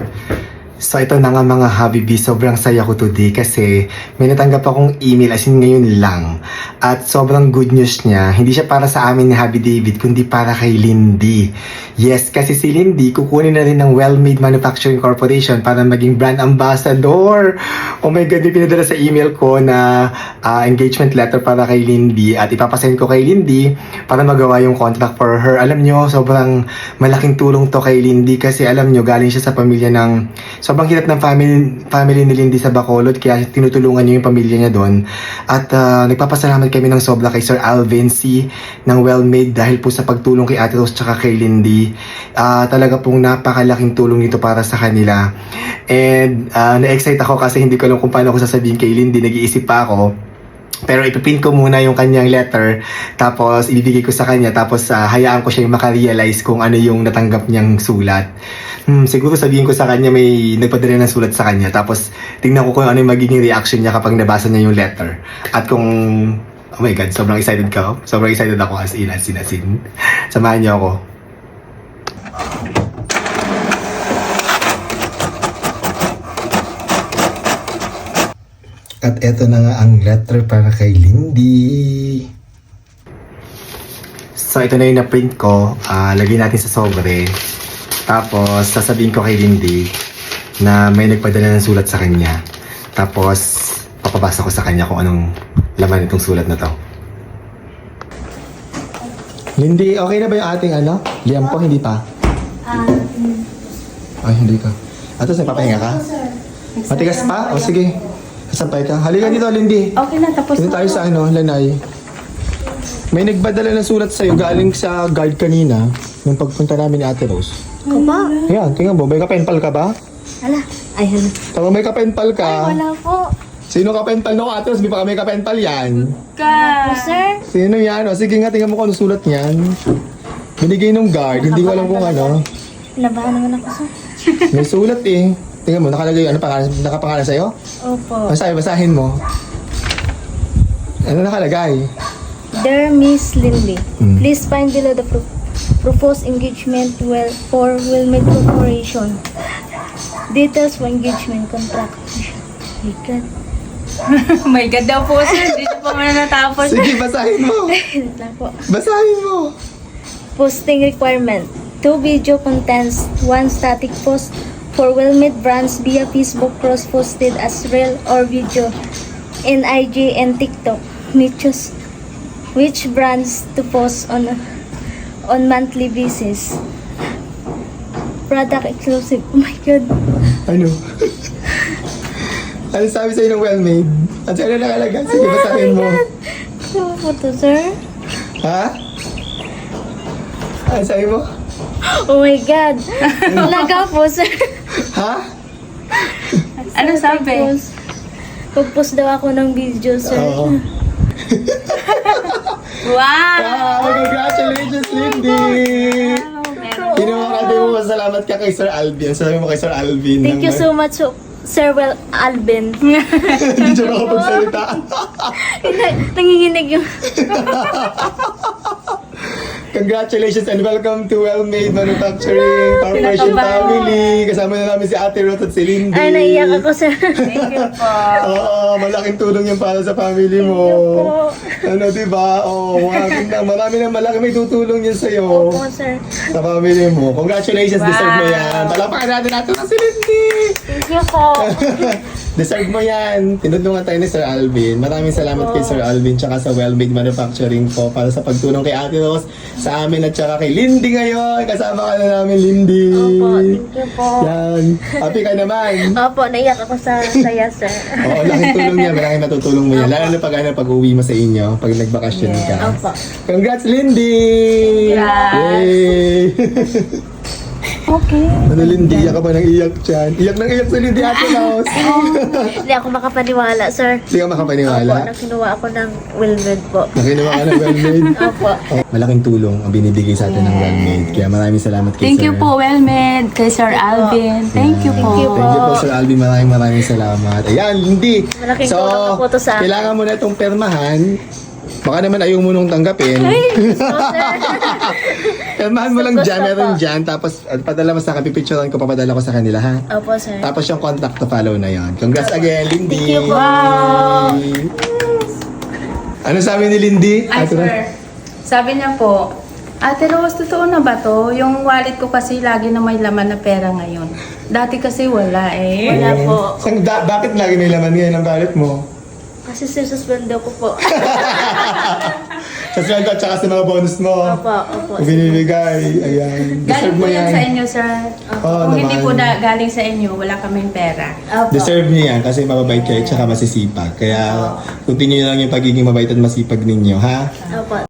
So ito na nga mga Habibi, sobrang saya ko today kasi may natanggap akong email as in ngayon lang. At sobrang good news niya, hindi siya para sa amin ni Habi David kundi para kay Lindy. Yes, kasi si Lindy kukunin na rin ng Well-Made Manufacturing Corporation para maging brand ambassador. Oh my God, may pinadala sa email ko na engagement letter para kay Lindy at ipapasend ko kay Lindy para magawa yung contract for her. Alam nyo, sobrang malaking tulong to kay Lindy kasi alam nyo, galing siya sa pamilya ng sobrang hirap ng family ni Lindy sa Bacolod kaya tinutulungan niyo yung pamilya niya doon. At nagpapasalamat kami ng sobra kay Sir Alvin C. ng Well-Made dahil po sa pagtulong kay Ate Rose tsaka kay Lindy. Talaga pong napakalaking tulong nito para sa kanila. And na-excite ako kasi hindi ko alam kung paano ako sasabihin kay Lindy. Nag-iisip pa ako. Pero ipiprint ko muna yung kanyang letter, tapos ibibigay ko sa kanya, tapos hayaan ko siya yung makarealize kung ano yung natanggap niyang sulat. Siguro sabihin ko sa kanya may nagpadala ng sulat sa kanya, tapos tingnan ko kung ano yung magiging reaction niya kapag nabasa niya yung letter. At kung, oh my God, sobrang excited ka. Sobrang excited ako as in. Samahan niyo ako. At eto na nga ang letter para kay Lindy. So ito na yung na-print ko. Lagay natin sa sobre. Tapos sasabihin ko kay Lindy na may nagpadala ng sulat sa kanya. Tapos papabasa ko sa kanya kung anong laman itong sulat na to. Lindy, okay na ba yung ating liam po? Hindi pa? Ay, hindi ka. Atos, nagpapahinga ka? Matigas pa? O sige. Sampay ka. Halika dito, Lindy. Okay na, tapos dito tayo sa Lanay. May nagbadala ng sulat sa'yo galing sa guard kanina nung pagpunta namin ni Ate Rose. Ako ba? Ayan, tingnan mo. May kapenpal ka ba? Hala. Ay, hala. Tama, may kapenpal ka. Ay, wala po. Sino kapenpal no, Ate Rose? Di ba may kapenpal yan? Ka. Sir? Sino yan? O, sige nga, tingnan mo kung ano sulat niyan. Binigay nung guard. Hindi ko alam kung ano. Labahan naman ako, sir. May sulat eh. Tingnan mo, nakalagay, nakapangalan sa'yo? Opo. Basahin mo. Ano nakalagay? Dear Miss Lindy, please find below the proposed engagement for Well-Made Corporation. Details for engagement contract. My God. My God daw po, sir. Dito pa man natapos. Sige, basahin mo. Wait lang po. Basahin mo. Posting requirement. 2 video contents, 1 static post for Well-Made brands via Facebook cross-posted as reel or video in IG and TikTok. Which brands to post on monthly basis. Product exclusive. Oh my God. Ano? Ano sabi sa'yo ng Well-Made? At sa'yo na nakalagay? Sige, basahin mo. Ano po to, sir? Ha? Ano sabi mo? Oh my God. Talaga po, sir. Ha? Ano sabi? Pag-post daw ako ng video, sir. Oo. Wow! Congratulations, Lindy! Kinuha ka din mo, salamat ka kay Sir Alvin. Sabi mo kay Sir Alvin. Thank you so much, Sir Alvin. Hindi siya makapagsalita. Nanginginig yung... Congratulations and welcome to Well-Made Manufacturing Corporation family. Kasama na namin si Ate Ruth at si Lindy. Ay, naiyak ako, sir. Thank you po. Oo, malaking tulong yan para sa family mo. Ano, diba? Oo, malaki may tutulong yan sa'yo. Opo, sir. Sa family mo. Congratulations, deserve mo yan. Palakpakan natin si Lindy. Thank you po. Deserve mo yan. Tinutulungan tayo ni Sir Alvin. Maraming salamat kay Sir Alvin tsaka sa Well-Made Manufacturing po para sa pagtulong kay Ate Rose, sa amin at tsaka kay Lindy ngayon. Kasama ka na namin, Lindy. Opo, thank you po. Yan. Happy ka naman. Opo, naiyak ako sa saya, sir. Oo, laking tulong niya. Malaking natutulong mo yan. Lalo na pag-uwi mo sa inyo, pag nagbakasyon ka. Opo. Congrats, Lindy! Congrats! Yay! Okay. Ano, Lindy? Iyak ka ba nang iyak dyan? Iyak nang iyak sa Lindy, Ate Rose. Hindi ako makapaniwala, sir. Hindi ka makapaniwala. Opo, nang kinuha ako ng Well-Made po. Nakinuha ka ng Well-Made. Opo. Malaking tulong ang binibigay sa atin ng Well-Made. Kaya maraming salamat kay Thank Sir. you po, Well-Made. Kay Sir Alvin. Thank you po. Thank you po. Thank you po, Sir Alvin. Maraming salamat. Ayan, Lindy. Malaking tulong na po to sa akin. Kailangan mo na itong permahan Baka naman ayaw mo nung tanggapin. Kalmahan mo lang Gusto dyan, po. meron dyan. Tapos padala mo sa akin, pipicturean ko, papadala ko sa kanila, ha? Opo, sir. Tapos yung contact to follow na yon. Congrats again, Lindy. Thank you po. Ano sabi ni Lindy? Ay, Ate Ro- sir. Sabi niya po, Ate Rose, totoo na ba to? Yung wallet ko kasi lagi na may laman na pera ngayon. Dati kasi wala eh. Wala po. Bakit lagi may laman ngayon ang wallet mo? Kasi sir, suspendo ko po. Sa sweldo at saka sa mga bonus mo. Opo, opo. Kung binibigay, ayan. Galing Deserve po mo yan yan. sa inyo, sir. Oo Kung hindi naman. po galing sa inyo, wala kaming pera. Opo. Deserve niyo yan kasi mababait kayo at saka masisipag. Kaya continue lang yung pagiging mabait at masipag ninyo, ha? Opo.